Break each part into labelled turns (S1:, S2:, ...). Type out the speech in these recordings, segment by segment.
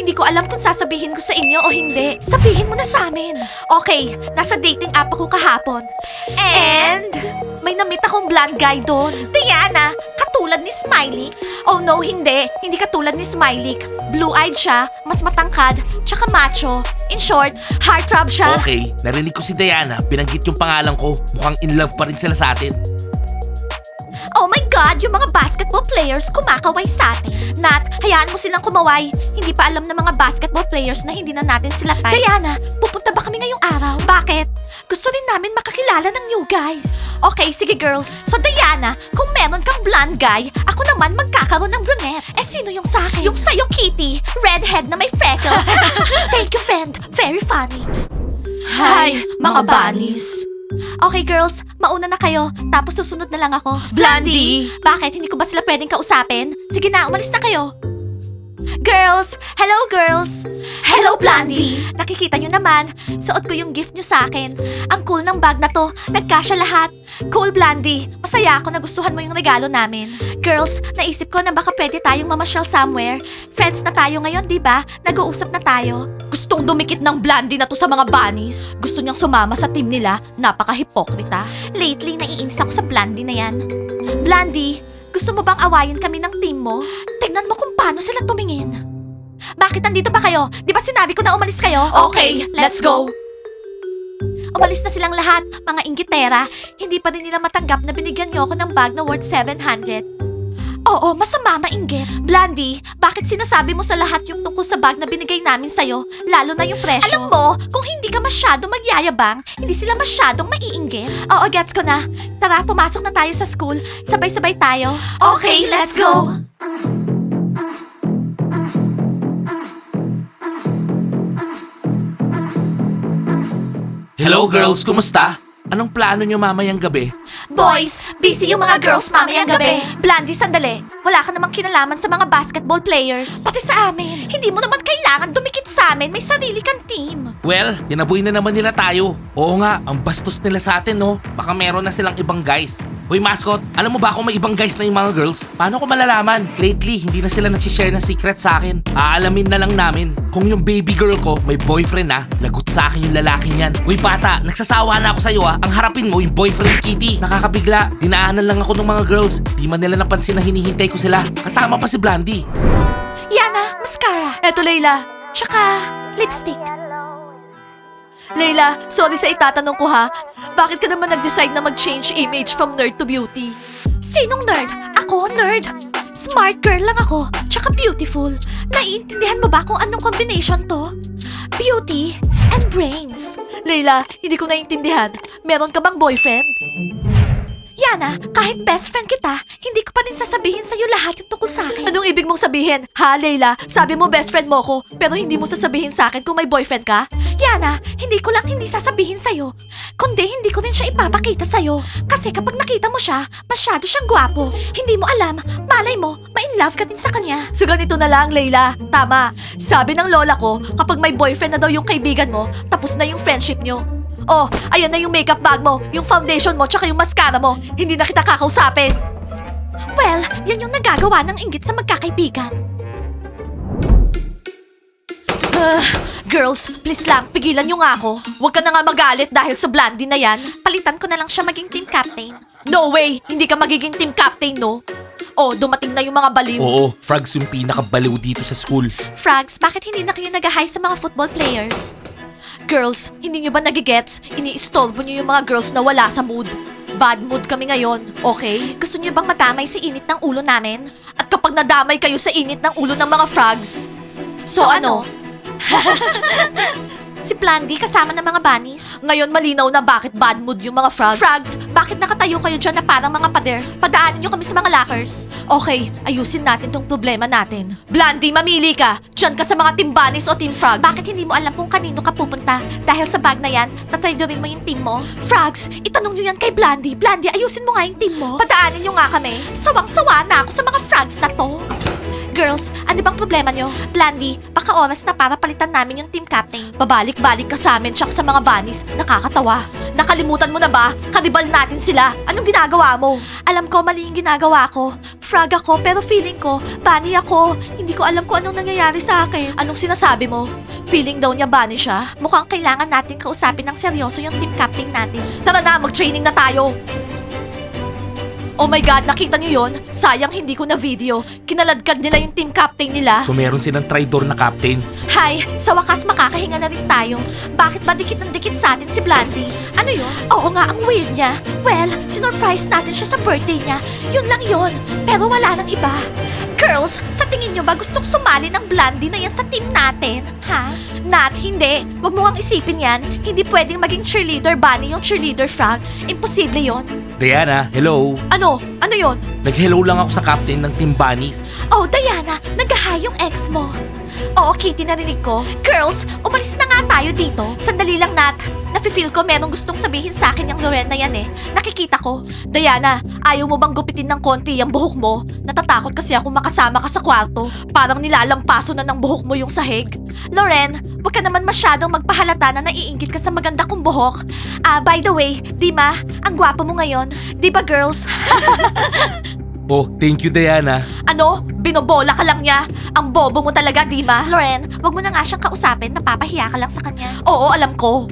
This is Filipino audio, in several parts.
S1: Hindi ko alam kung sasabihin ko sa inyo o hindi. Sabihin mo na sa amin. Okay, nasa dating app ako kahapon. And may namit akong blonde guy doon. Diana, katulad ni Smiley? Oh no, hindi. Hindi katulad ni Smiley. Blue-eyed siya, mas matangkad, tsaka macho. In short, heartthrob siya.
S2: Okay, narinig ko si Diana, binanggit yung pangalan ko. Mukhang in love pa rin sila sa atin.
S1: Oh my God, yung mga basketball players kumakaway sa atin. Nat, hayaan mo silang kumaway. Hindi pa alam ng mga basketball players na hindi na natin sila type. Diana, pupunta ba kami ngayong araw? Bakit? Gusto din namin makakilala ng new guys. Okay, sige girls. So Diana, kung meron kang blonde guy, ako naman magkakaroon ng brunette. Eh sino yung sa akin? Yung sa'yo, Kitty. Redhead na may freckles. Thank you, friend. Very funny. Hi, mga bunnies. Okay girls, mauna na kayo, tapos susunod na lang ako. Blondie! Bakit? Hindi ko ba sila pwedeng kausapin? Sige na, umalis na kayo. Girls! Hello girls! Hello Blondie! Nakikita nyo naman, suot ko yung gift nyo sa akin. Ang cool ng bag na to, nagkasya lahat. Cool Blondie, masaya ako na gustuhan mo yung regalo namin. Girls, naisip ko na baka pwede tayong mamasyal somewhere. Friends na tayo ngayon, di ba? Nag-uusap na tayo. Gustong dumikit ng Blondie na to sa mga bunnies. Gusto niyang sumama sa team nila, napaka-hipokrita. Lately, naiinis ako sa Blondie na yan. Blondie, gusto mo bang awayin kami ng team mo? Tingnan mo kung paano sila tumingin. Bakit nandito ba kayo? Di ba sinabi ko na umalis kayo? Okay, let's go. Umalis na silang lahat, mga inggitera. Hindi pa din nila matanggap na binigyan niyo ako ng bag na worth 700. Oo, masama mainggit. Blondie, bakit sinasabi mo sa lahat yung tungkol sa bag na binigay namin sa'yo? Lalo na yung presyo. Alam mo, kung hindi ka masyado magyayabang, hindi sila masyadong maiinggit. Oo, gets ko na. Tara, pumasok na tayo sa school. Sabay-sabay tayo. Okay, let's go!
S2: Hello girls, kumusta? Anong plano nyo mamayang gabi?
S1: Boys, busy yung mga girls mamayang gabi. Blondie, sandali. Wala ka namang kinalaman sa mga basketball players. Pati sa amin. Hindi mo naman kailangan dumikit sa amin. May sarili kang team.
S2: Well, tinaboy na naman nila tayo. Oo nga, ang bastos nila sa atin, no? Baka meron na silang ibang guys. Hoy mascot, alam mo ba kung may ibang guys na yung mga girls? Paano ko malalaman? Lately, hindi na sila nagsishare ng secret sa akin. Aalamin na lang namin. Kung yung baby girl ko may boyfriend na, lagot sa akin yung lalaking yan. Uy bata, nagsasawa na ako sa'yo ah. Ang harapin mo yung boyfriend Kitty. Nakakabigla, dinaanan lang ako ng mga girls. Di man nila napansin na hinihintay ko sila. Kasama pa si Blondie.
S1: Yana, mascara. Eto, Layla. Tsaka, lipstick. Layla, sorry sa itatanong ko ha. Bakit ka naman nag-decide na mag-change image from nerd to beauty? Sinong nerd? Ako, nerd. Smart girl lang ako, tsaka beautiful. Naiintindihan mo ba kung anong combination to? Beauty and brains. Layla, hindi ko naiintindihan. Meron ka bang boyfriend? Yana, kahit best friend kita, hindi ko pa din sasabihin sa'yo lahat yung tungkol sa akin. Anong ibig mong sabihin? Ha, Layla? Sabi mo best friend mo ko, pero hindi mo sasabihin sa akin kung may boyfriend ka? Yana, hindi ko lang hindi sasabihin sa'yo. Kundi hindi ko rin siya ipapakita sa'yo. Kasi kapag nakita mo siya, masyado siyang gwapo. Hindi mo alam, malay mo, ma-in-love ka din sa kanya. So ganito na lang, Layla. Tama. Sabi ng lola ko, kapag may boyfriend na daw yung kaibigan mo, tapos na yung friendship nyo. Oh, ayan na yung makeup bag mo, yung foundation mo, tsaka yung mascara mo. Hindi na kita kakausapin. Well, yan yung nagagawa ng inggit sa magkakaibigan. Girls, please lang, pigilan nyo nga ako. Huwag ka na nga magalit dahil sa Blondie na yan. Palitan ko na lang siya maging team captain. No way! Hindi ka magiging team captain, no? Oh, dumating na yung mga baliw.
S2: Oo, Frogs yung pinakabaliw dito sa school.
S1: Frogs, bakit hindi na kayo nag-hi sa mga football players? Girls, hindi nyo ba nagigets? Ini-istorbo nyo yung mga girls na wala sa mood. Bad mood kami ngayon, okay? Gusto nyo bang madamay sa init ng ulo namin? At kapag nadamay kayo sa init ng ulo ng mga frogs, so ano? Si Blondie kasama ng mga bunnies? Ngayon malinaw na bakit bad mood yung mga frogs. Frogs, bakit nakatayo kayo dyan na parang mga pader? Padaanin nyo kami sa mga lockers. Okay, ayusin natin tong problema natin. Blondie, mamili ka. Dyan ka sa mga team bunnies o team frogs. Bakit hindi mo alam kung kanino ka pupunta? Dahil sa bag na yan, natraidorin mo yung team mo? Frogs, itanong nyo yan kay Blondie. Blondie, ayusin mo nga yung team mo. Padaanin nyo nga kami. Sawang-sawa na ako sa mga frogs na to. Girls, ano bang problema nyo? Blondie, baka oras na para palitan namin yung team captain. Pabalik-balik ka sa amin tsaka sa mga bunnies. Nakakatawa. Nakalimutan mo na ba? Kanibal natin sila. Anong ginagawa mo? Alam ko mali yung ginagawa ko. frog ako pero feeling ko, bunny ako. Hindi ko alam kung anong nangyayari sa akin. Anong sinasabi mo? Feeling daw niya bunny siya? Mukhang kailangan natin kausapin ng seryoso yung team captain natin. Tara na, mag-training na tayo! Oh my God, nakita niyo yon? Sayang hindi ko na video. Kinaladkad nila yung team captain nila.
S2: So meron silang traitor na captain.
S1: Hi, sa wakas makakahinga na rin tayo. Bakit ba dikit ng dikit sa atin si Blandy? Ano yun? Oo nga, ang weird niya. Well, sinurprise natin siya sa birthday niya. Yun lang yun. Pero wala nang iba. Girls, sa tingin nyo ba gustong sumali ng Blandy na yan sa team natin? Ha? Nat, hindi. Huwag mo kang isipin yan. Hindi pwedeng maging cheerleader bunny yung cheerleader frogs. Imposible yon.
S2: Diana, hello.
S1: Ano? Ano yon?
S2: Nag-hello lang ako sa captain ng Team Bunnies.
S1: Oh, Diana, nag-hi yung ex mo. Oo, Kitty, narinig ko. Girls, umalis na nga tayo dito. Sandali lang, Nat. Nafe-feel ko merong gustong sabihin sa akin yung Loren na yan eh. Nakikita ko. Diana, ayaw mo bang gupitin ng konti yung buhok mo? Natatakot kasi ako makasama ka sa kwarto. Parang nilalampaso na ng buhok mo yung sahig. Loren, huwag ka naman masyadong magpahalata na naiinggit ka sa maganda kong buhok. By the way, Dima, ang gwapo mo ngayon. Di ba, girls?
S2: Oh, thank you, Diana.
S1: Ano? Binobola ka lang niya? Ang bobo mo talaga, di ba? Loren, wag mo na nga siyang kausapin. Napapahiya ka lang sa kanya. Oo, alam ko.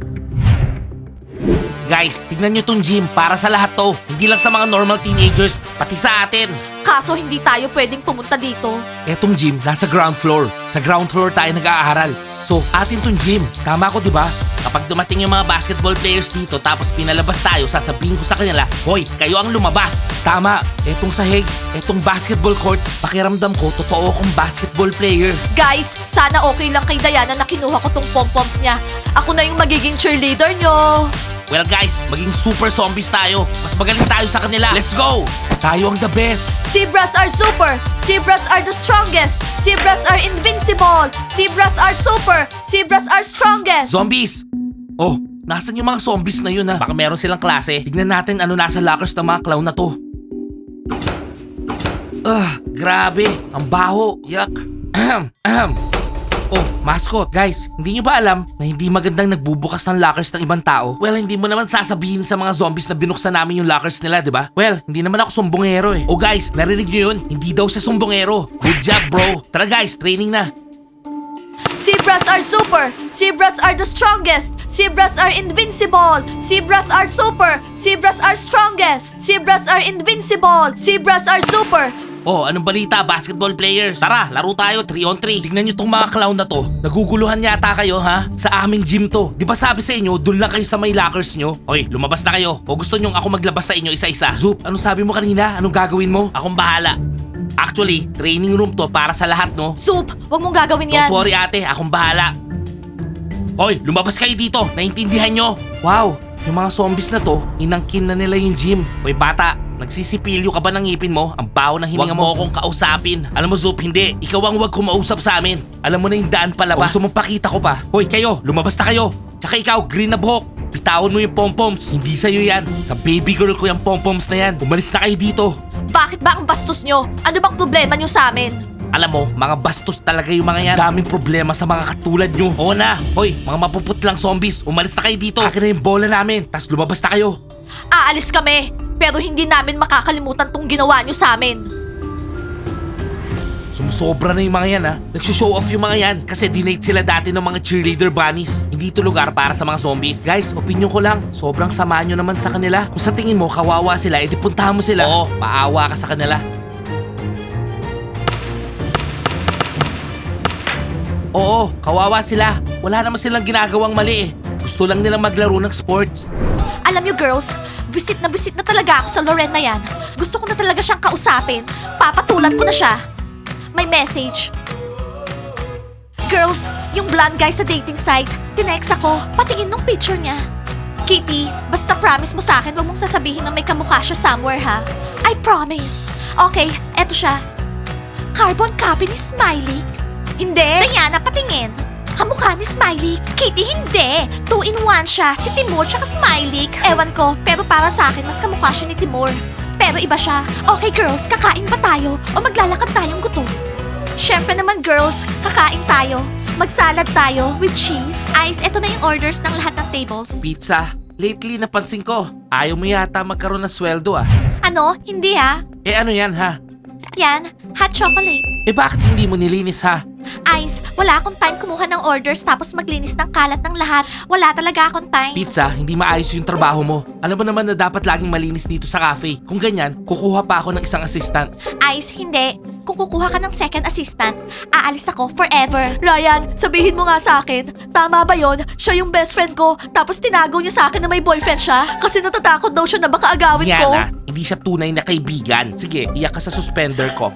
S2: Guys, tignan nyo tong gym para sa lahat to. Hindi lang sa mga normal teenagers, pati sa atin.
S1: Kaso hindi tayo pwedeng pumunta dito.
S2: Etong gym, nasa ground floor. Sa ground floor tayo nag-aaral. So, atin tong gym. Tama ko, di ba? Kapag dumating yung mga basketball players dito tapos pinalabas tayo, sasabihin ko sa kanila, hoy, kayo ang lumabas. Tama, etong sahig, etong basketball court, pakiramdam ko, totoo akong basketball player.
S1: Guys, sana okay lang kay Diana na kinuha ko tong pom-poms niya. Ako na yung magiging cheerleader nyo.
S2: Well guys, maging super zombies tayo. Mas magaling tayo sa kanila. Let's go! Tayo ang the best.
S1: Zebras are super! Zebras are the strongest! Zebras are invincible! Zebras are super! Zebras are strongest!
S2: Zombies! Oh, nasan yung mga zombies na yun ha? Baka meron silang klase. Tignan natin ano nasa lockers ng mga clown na to. Grabe. Ang baho. Yuck. Ahem, ahem. Oh, mascot. Guys, hindi nyo ba alam na hindi magandang nagbubukas ng lockers ng ibang tao? Well, hindi mo naman sasabihin sa mga zombies na binuksan namin yung lockers nila, di ba? Well, hindi naman ako sumbongero eh. Oh guys, narinig nyo yun? Hindi daw siya sumbongero. Good job, bro. Tara guys, training na.
S1: Zebras are super! Zebras are the strongest! Zebras are invincible! Zebras are super! Zebras are strongest! Zebras are invincible! Zebras are super!
S2: Oh, anong balita, basketball players? Tara, laro tayo, 3-on-3. Tignan nyo tong mga clown na to. Naguguluhan yata kayo, ha? Sa aming gym to. Di ba sabi sa inyo, dun lang kayo sa may lockers nyo? Oy, lumabas na kayo. O gusto nyo ako maglabas sa inyo isa-isa? Zoop, anong sabi mo kanina? Anong gagawin mo? Akong bahala. Actually, training room to para sa lahat, no?
S1: Soup! Huwag mong gagawin yan!
S2: Don't worry, ate. Akong bahala. Hoy, lumabas kayo dito. Naintindihan nyo? Wow, yung mga zombies na to, inangkin na nila yung gym. Hoy, bata. Nagsisipilyo ka ba ng ngipin mo? Ang baho ng hininga mo. Huwag mo akong kausapin. Alam mo, Zoop, hindi. Ikaw ang huwag kumausap sa amin. Alam mo na yung daan palabas. O gusto mong pakita ko pa? Hoy, kayo, lumabas na kayo. Tsaka ikaw, green na buhok. Bitawan mo yung pompoms. Hindi sa'yo yan. Sa baby girl ko yung pompoms na yan. Umalis na kayo dito.
S1: Bakit ba ang bastos nyo? Ano bang problema nyo sa amin?
S2: Alam mo, mga bastos talaga yung mga yan. Daming problema sa mga katulad nyo. Oo na. Hoy, mga mapuputlang zombies, umalis na kayo dito. Akin na yung bola namin, tas lumabas na kayo.
S1: Aalis kami! Pero hindi namin makakalimutan tong ginawa nyo sa amin.
S2: Sumusobra na yung mga yan ha. Nagsishow off yung mga yan kasi dinate sila dati ng mga cheerleader bunnies. Hindi ito lugar para sa mga zombies. Guys, opinion ko lang, sobrang sama nyo naman sa kanila. Kung sa tingin mo kawawa sila, edi puntahan mo sila. Oo, maawa ka sa kanila. Oo, kawawa sila. Wala naman silang ginagawang mali eh. Gusto lang nilang maglaro ng sports.
S1: Alam nyo girls, visit na talaga ako sa Loren na yan. Gusto ko na talaga siyang kausapin. Papatulan ko na siya. May message. Girls, yung blonde guy sa dating site, tinext ako, patingin nung picture niya. Kitty, basta promise mo sa akin, huwag mong sasabihin na may kamukha siya somewhere ha. I promise. Okay, eto siya. Carbon copy ni Smiley? Hindi. Diana, patingin. Kamukha ni Smiley. Kitty, hindi. 2-in-1 siya. Si Timur tsaka Smiley. Ewan ko, pero para sa akin, mas kamukha siya ni Timur. Pero iba siya. Okay girls, kakain ba tayo? O maglalakad tayong gutom? Syempre naman girls, kakain tayo. Magsalad tayo with cheese. Ice, eto na yung orders ng lahat ng tables.
S2: Pizza. Lately, napansin ko, ayaw mo yata magkaroon ng sweldo ah.
S1: Ano? Hindi ha?
S2: Eh ano yan ha?
S1: Yan, hot chocolate.
S2: Eh bakit hindi mo nilinis ha?
S1: Ice, wala akong time kumuha ng orders tapos maglinis ng kalat ng lahat. Wala talaga akong time.
S2: Pizza, hindi maayos yung trabaho mo. Alam mo naman na dapat laging malinis dito sa cafe. Kung ganyan, kukuha pa ako ng isang assistant.
S1: Ice, hindi. Kung kukuha ka ng second assistant, aalis ako forever. Ryan, sabihin mo nga sa akin, tama ba yon? Siya yung best friend ko, tapos tinago niya sa akin na may boyfriend siya? Kasi natatakot daw siya na baka agawin ko.
S2: Yana, hindi siya tunay na kaibigan. Sige, iyak ka sa suspender ko.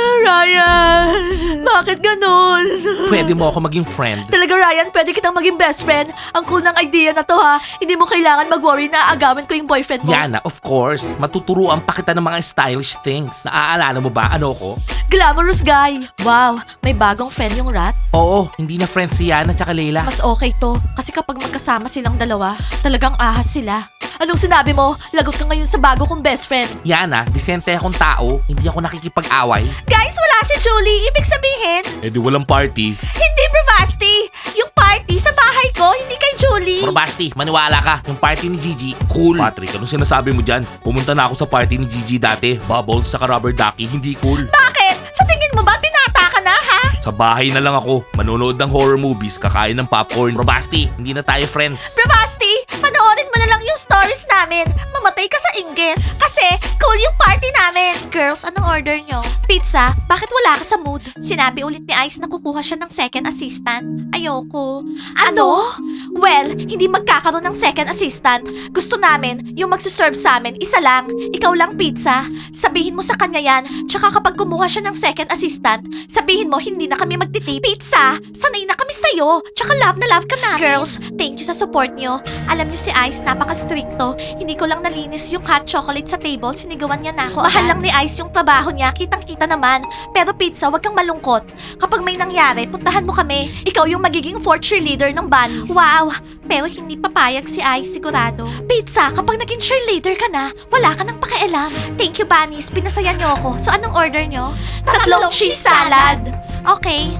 S1: Ryan, bakit ganun?
S2: Pwede mo ako maging friend.
S1: Talaga Ryan, pwede kitang maging best friend. Ang cool ng idea na to ha. Hindi mo kailangan mag-worry na agawin ko yung boyfriend mo.
S2: Yana, of course. Matuturuan pa kita ng mga stylish things. Naaalala mo ba ano ko?
S1: Glamorous guy. Wow, may bagong friend yung rat.
S2: Oo, hindi na friends si Yana at Leila.
S1: Mas okay to. Kasi kapag magkasama silang dalawa, talagang ahas sila. Anong sinabi mo? Lagot ka ngayon sa bago kong best friend.
S2: Yana, disente akong tao. Hindi ako nakikipag-away.
S1: Guys, wala si Julie. Ibig sabihin,
S2: Eh di walang party.
S1: hindi Bravasti. Yung party sa bahay ko, hindi kay Julie.
S2: Pero Basti, maniwala ka. Yung party ni Gigi, cool. Patrick, anong sinasabi mo dyan? Pumunta na ako sa party ni Gigi dati. Bubbles sa rubber ducky, hindi cool.
S1: Bakit? Sa tingin mo ba binata ka na, ha?
S2: Sa bahay na lang ako, manonood ng horror movies, kakain ng popcorn. Pero Basti, hindi na tayo friends.
S1: Bravasti, panoorin mo na lang yung stories namin. Mamatay ka sa inggit. Kasi cool yung party namin. Girls, anong order nyo? Pizza, bakit wala ka sa mood? Sinabi ulit ni Ice na kukuha siya ng second assistant. Ayoko. Ano? Well, hindi magkakaroon ng second assistant. Gusto namin, yung magsuserve sa amin, isa lang. Ikaw lang pizza. Sabihin mo sa kanya yan. Tsaka kapag kumuha siya ng second assistant, sabihin mo hindi na kami magtitip. Pizza, sanay na kami sa'yo. Tsaka love na love ka namin. Girls, thank you sa support nyo. Alam nyo si Ice, napaka-stricto. Hindi ko lang nalinis yung hot chocolate sa table, sinigawan niya na ako. Mahal lang ni Ice yung trabaho niya, kitang-kita naman. Pero pizza, wag kang malungkot. Kapag may nangyari, puntahan mo kami. Ikaw yung magiging fourth cheerleader ng bunnies. Wow! Pero hindi papayag si Ice, sigurado. Pizza, kapag naging cheerleader ka na, wala ka nang pakialam. Thank you, bunnies. Pinasaya niyo ako. So, anong order niyo? Tatlong cheese salad. Okay.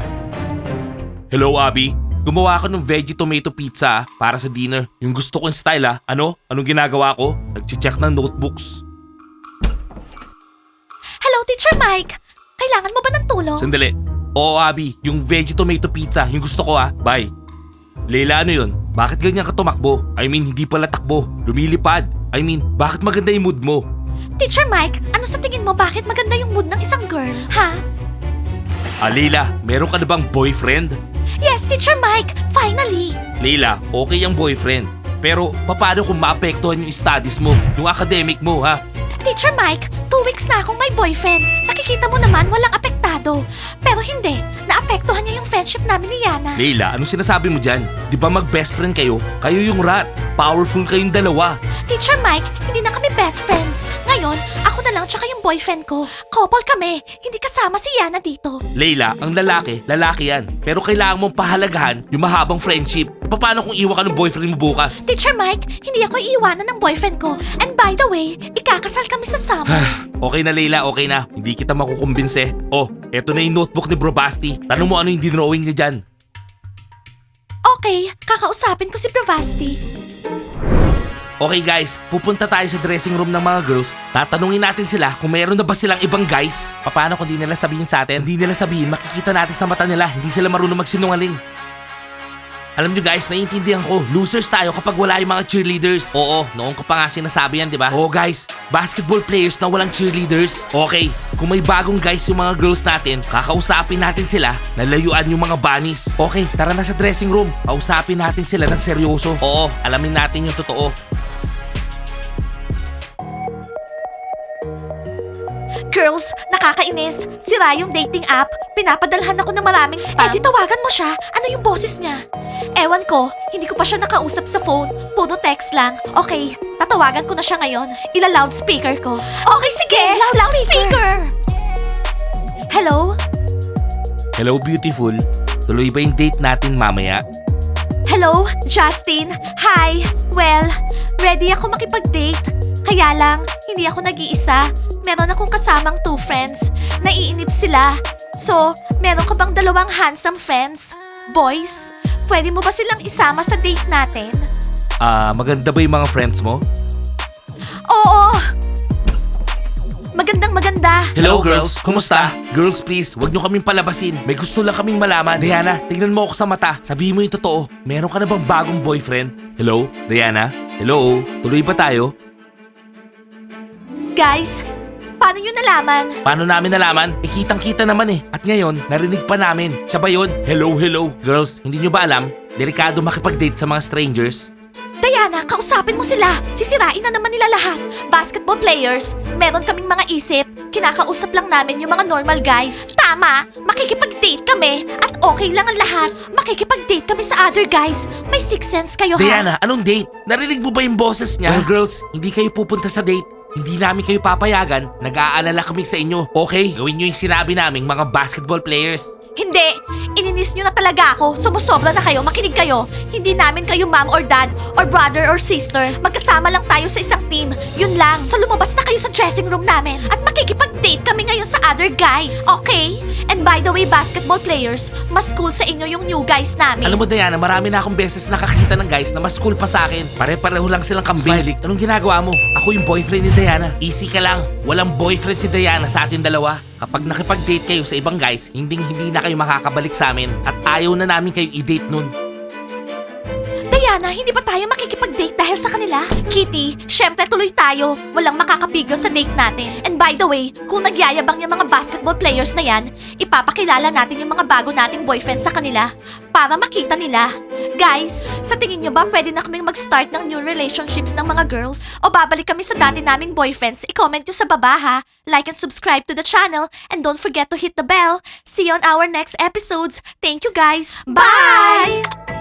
S2: Hello, Abby. Gumawa ako ng veggie tomato pizza para sa dinner. Yung gusto kong style Ano? Anong ginagawa ko? Nag-check ng notebooks.
S1: Hello, Teacher Mike. Kailangan mo ba ng tulong?
S2: Sandali. Oo, Abby. Yung veggie tomato pizza. Yung gusto ko Bye. Leila, ano yun? Bakit ganyan ka tumakbo? I mean, hindi pala takbo. Lumilipad. I mean, bakit maganda yung mood mo?
S1: Teacher Mike, ano sa tingin mo bakit maganda yung mood ng isang girl? Ha?
S2: Leila, meron ka na bang boyfriend?
S1: Yes, Teacher Mike. Finally.
S2: Leila, okay ang boyfriend. Pero, paano kung maapektuhan yung studies mo? Yung academic mo, ha?
S1: Teacher Mike, 2 weeks na akong may boyfriend. Nakikita mo naman walang apektado. Pero hindi, naapektuhan niya yung friendship namin ni Yana.
S2: Leila, anong sinasabi mo dyan? Di ba mag-best friend kayo? Kayo yung rat. Powerful kayong dalawa.
S1: Teacher Mike, hindi na kami best friends. Ngayon, ako na lang tsaka yung boyfriend ko. Couple kami. Hindi kasama si Yana dito.
S2: Leila, ang lalaki yan. Pero kailangan mong pahalagahan yung mahabang friendship. Paano kung iwan ka ng boyfriend mo bukas?
S1: Teacher Mike, hindi ako iiwanan ng boyfriend ko. And by the way, ikakasal kami sa summer.
S2: Okay na Leila, okay na. Hindi kita makukumbinse. Oh, eto na yung notebook ni Bro Basti. Tanong mo ano yung dinrawing niya dyan.
S1: Okay, kakausapin ko si Bravasti.
S2: Okay guys, pupunta tayo sa dressing room ng mga girls. Tatanungin natin sila kung mayroon na ba silang ibang guys. Paano kung di nila sabihin sa atin? Hindi nila sabihin, makikita natin sa mata nila. Hindi sila marunong magsinungaling. Alam nyo guys, naiintindihan ko. Losers tayo kapag wala yung mga cheerleaders. Oo, noong ko pa nga sinasabi yan, di ba? Oo guys, basketball players na walang cheerleaders. Okay, kung may bagong guys yung mga girls natin, kakausapin natin sila na layuan yung mga bunnies. Okay, tara na sa dressing room. Kausapin natin sila ng seryoso. Oo, alamin natin yung totoo.
S1: Girls, nakakainis. Sira yung dating app. Pinapadalhan ako ng maraming spam. Eh di tawagan mo siya. Ano yung boses niya? Ewan ko, hindi ko pa siya nakausap sa phone. Puro text lang. Okay, tatawagan ko na siya ngayon. Ila-loudspeaker ko. Okay, sige! Loudspeaker! Hello?
S2: Hello beautiful, tuloy ba yung date natin mamaya?
S1: Hello, Justin? Hi! Well, ready ako makipag-date. Kaya lang, hindi ako nag-iisa. Meron akong kasamang 2 friends. Naiinip sila. So, meron ka bang 2 handsome friends? Boys, pwede mo ba silang isama sa date natin?
S2: Maganda ba yung mga friends mo?
S1: Oo! Maganda.
S2: Hello girls, kumusta? Girls please, wag nyo kaming palabasin. May gusto lang kaming malaman. Diana, tingnan mo ako sa mata. Sabihin mo yung totoo. Meron ka na bang bagong boyfriend? Hello? Diana? Hello? Tuloy ba tayo?
S1: Guys, paano nyo nalaman?
S2: Paano namin nalaman? Kitang-kita naman eh. At ngayon, narinig pa namin. Siya ba yun? Hello. Girls, hindi nyo ba alam? Delikado makipag-date sa mga strangers.
S1: Diana, kausapin mo sila. Sisirain na naman nila lahat. Basketball players, meron kaming mga isip. Kinakausap lang namin yung mga normal guys. Tama, makikipag-date kami at okay lang ang lahat. Makikipag-date kami sa other guys. May sixth sense kayo ha?
S2: Diana, anong date? Narinig mo ba yung boses niya? Well girls, hindi kayo pupunta sa date. Hindi namin kayo papayagan. Nag-aalala kami sa inyo. Okay, gawin nyo yung sinabi naming mga basketball players.
S1: Hindi! Ininis nyo na talaga ako. Sumusobra na kayo. Makinig kayo. Hindi namin kayo mom or dad or brother or sister. Magkasama lang tayo sa isang team. Yun lang. So lumabas na kayo sa dressing room namin. At makikipag-date kami ngayon sa other guys. Okay? And by the way, basketball players, mas cool sa inyo yung new guys namin.
S2: Alam mo Diana, marami na akong beses nakakita ng guys na mas cool pa sa akin. Pare-pareho lang silang kambing. Smiley, anong ginagawa mo? Ako yung boyfriend ni Diana. Easy ka lang. Walang boyfriend si Diana sa atin dalawa. Kapag nakipag-date kayo sa ibang guys, hindi na kayo makakabalik sa amin at ayaw na namin kayo i-date nun.
S1: Diana, hindi ba tayo makikipag-date dahil sa kanila? Kitty, syempre tuloy tayo. Walang makakapigil sa date natin. And by the way, kung nagyayabang yung mga basketball players na yan, ipapakilala natin yung mga bago nating boyfriend sa kanila para makita nila. Guys, sa tingin nyo ba pwede na kaming mag-start ng new relationships ng mga girls? O babalik kami sa dati naming boyfriends? I-comment nyo sa baba ha. Like and subscribe to the channel and don't forget to hit the bell. See you on our next episodes. Thank you guys. Bye!